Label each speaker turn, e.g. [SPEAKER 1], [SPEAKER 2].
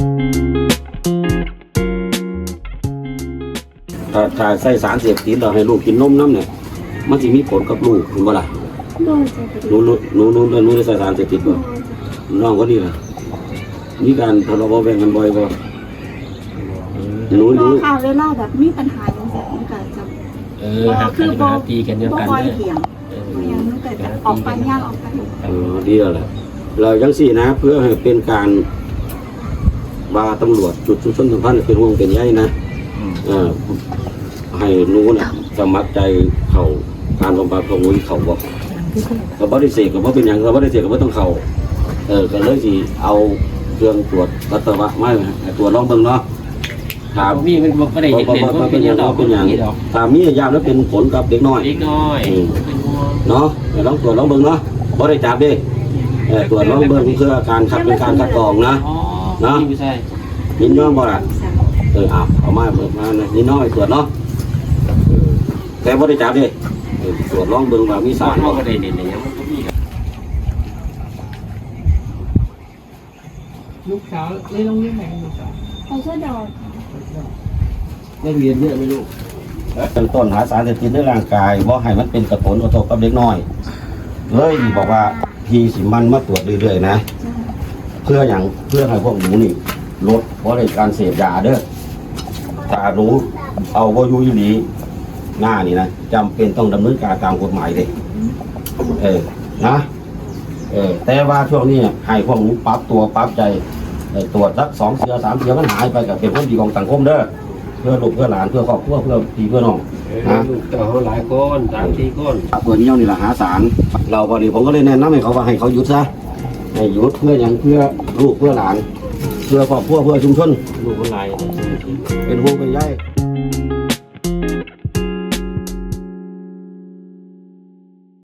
[SPEAKER 1] ถ้าใส่สารเสพติดเราให้ลูกกินนมน้ำเนี่ยมันจะมีผลกับลูกเห็นบ่ล่ะหนูได้ใส่สารเสพติดบ่น้องก็ดีล่ะมีการทะเลาะเบาแวงกันบ่อยบ่หนู
[SPEAKER 2] ข่าวเวลาแบบมีปัญหาอย่างเงี้ยมันก็จะ
[SPEAKER 3] คือปัญหาตีกันเดียวกัน
[SPEAKER 2] บ่อยเถียงอย่างนั้นเกิดจากออกไปย่างออกไป
[SPEAKER 1] ดีแล้วแหละเราจังสี่นะเพื่อให้เป็นการบาตำรวจจุดชุมชนสัมพันธ์เป็นห่วงเป็นใยนะให้รู้นะสมัครใจเขาการบำบัดของวุ้ยเขาบอกกับบริเสกกับว่าเป็นอย่างกับบริเสกกับว่าต้องเขาก็เลยสิเอาเครื่องตรวจปัสสาวะไม่ตรวจลองเบิ่งเนาะถาม
[SPEAKER 3] มีมันไม่ได้เห็นว่าเป็นอย่าง
[SPEAKER 1] เป็นอย่างถามมียามแล้วเป็นผลกับเด็กน้อยเนาะลองตรวจลองเบิ่งเนาะบ่ได้จับดิตรวจลองเบิ่งเพื่อการคัดเป็นการคัดกรองนะเนาะยินยอมบ่ล่ะเอามาเบิกมานิดน้อยตรวจเนาะแต่บ่ได้จับดิตรวจลองเบิ่งว่ามีสารบ่ได้เด่นอย่าง
[SPEAKER 4] ลูกสาวเรียนโรงเรียนไหนลูกสาว
[SPEAKER 2] ไปเชื่อดอก
[SPEAKER 1] ได้เรียนเยอะไหมลูกเป็นต้นหาสารเสพติดในร่างกายบ่ให้มันเป็นกระตุ้นกระทบกับเด็กน้อยเลยบอกว่าพี่สิมันมาตรวจเรื่อยๆนะเพื่ออย่างเพื่อให้พวกหนูนี่ลดเพราะในการเสพยาเด้อถ้าหนูเอาบ่อยู่อีหลีหน้านี่นะจำเป็นต้องดำเนินการตามกฎหมายเลยนะแต่ว่าช่วงนี้ให้พวกหนูปรับตัวปรับใจตรวจสัก2 เทื่อ 3 เทื่อมันหายไปกับเป็นคนดีของสังคมเด้อเพื่อลูกเพื่อหลานเพื่อครอบครัวเพื่อพี่เพื่อน้องนะ
[SPEAKER 3] เขาหลายคน3-4 คน
[SPEAKER 1] เพื่อนนี่แหละหาสารเราพอดีผมก็เลยแนะนำให้เขาว่าให้เขาหยุดซะให้หยุดเพื่ออย่างเพื่อลูกเพื่อหลานเพื่อครอบครัวเพื่อชุมชน
[SPEAKER 3] ลูกคนหลาย
[SPEAKER 1] เป็นห่วงเป็นใย